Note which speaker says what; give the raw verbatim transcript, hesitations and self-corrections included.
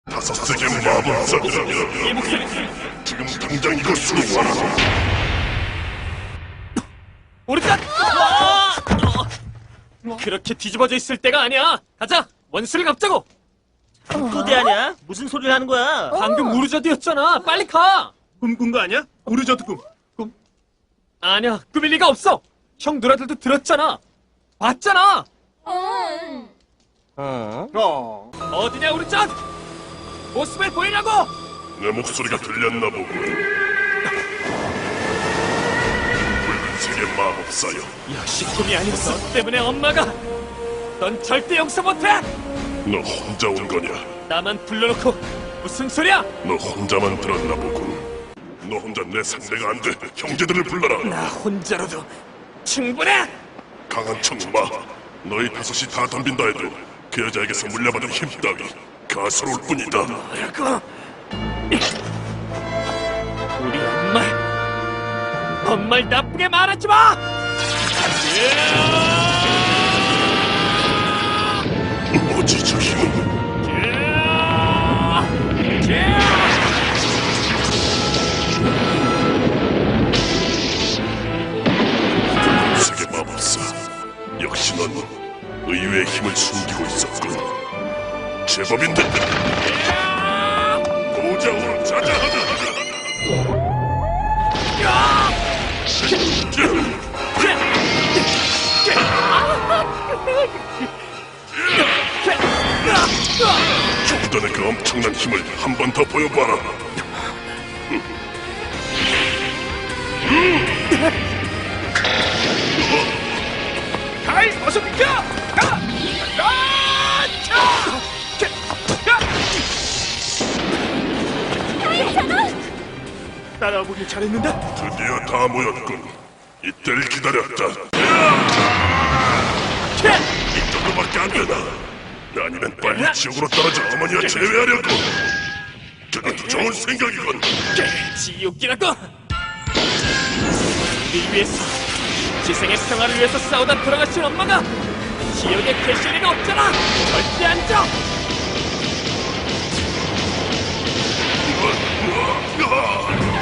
Speaker 1: 다섯 세계 마법사들이여,
Speaker 2: 이 목소리
Speaker 1: 지금 당장 이것으로 와라.
Speaker 2: 오르간! 아! 어. 그렇게 뒤집어져 있을 때가 아니야. 가자, 원수를 갚자고.
Speaker 3: 또대하냐? 무슨 소리를 하는 거야?
Speaker 2: 방금 우르저드였잖아. 빨리 가.
Speaker 4: 꿈 꾼 거 아니야? 우르저드 꿈.
Speaker 2: 아니야, 꿈일 리가 없어. 형 누나들도 들었잖아. 봤잖아.
Speaker 3: 어?
Speaker 4: 어.
Speaker 2: 어디냐 우르전? 모습을 보이라고.
Speaker 1: 내 목소리가 들렸나 보군. 붉은 세계 마법사여,
Speaker 2: 역시 꿈이 아니었어. 너 때문에 엄마가. 넌 절대 용서 못해.
Speaker 1: 너 혼자 온 거냐?
Speaker 2: 나만 불러놓고 무슨 소리야?
Speaker 1: 너 혼자만 들었나 보군. 너 혼자 내 상대가 안 돼. 형제들을 불러라.
Speaker 2: 나 혼자로도 충분해.
Speaker 1: 강한 척마. 너희 다섯이 다 덤빈다 해도 그 여자에게서 물려받은 힘 따위 가소로울 뿐이다.
Speaker 2: 뭐라고? 우리 엄마, 엄마를 나쁘게 말하지 마.
Speaker 1: 뭐지 저 힘은? 세계 마법사, 역시 넌 의외의 힘을 숨기고 있었군. 제법인데. 고장으로 자자하자. 조던의 그 엄청난 힘을 한 번 더 보여봐라.
Speaker 2: 가이, 어서 비켜! 가! 아! 차! 따라오길 잘했는데?
Speaker 1: 드디어 다 모였군. 이때를 기다렸다. 이 정도밖에 안 되나? 아니면 빨리 지옥으로 떨어져 어머니와 제외하려고. 그건 좋은 생각이군.
Speaker 2: 지옥이라고! 우리 위해서, 지생의 평화를 위해서 싸우다 돌아가신 엄마가 지옥에 계실 리가 없잖아! 절대 안 져!
Speaker 1: 으아!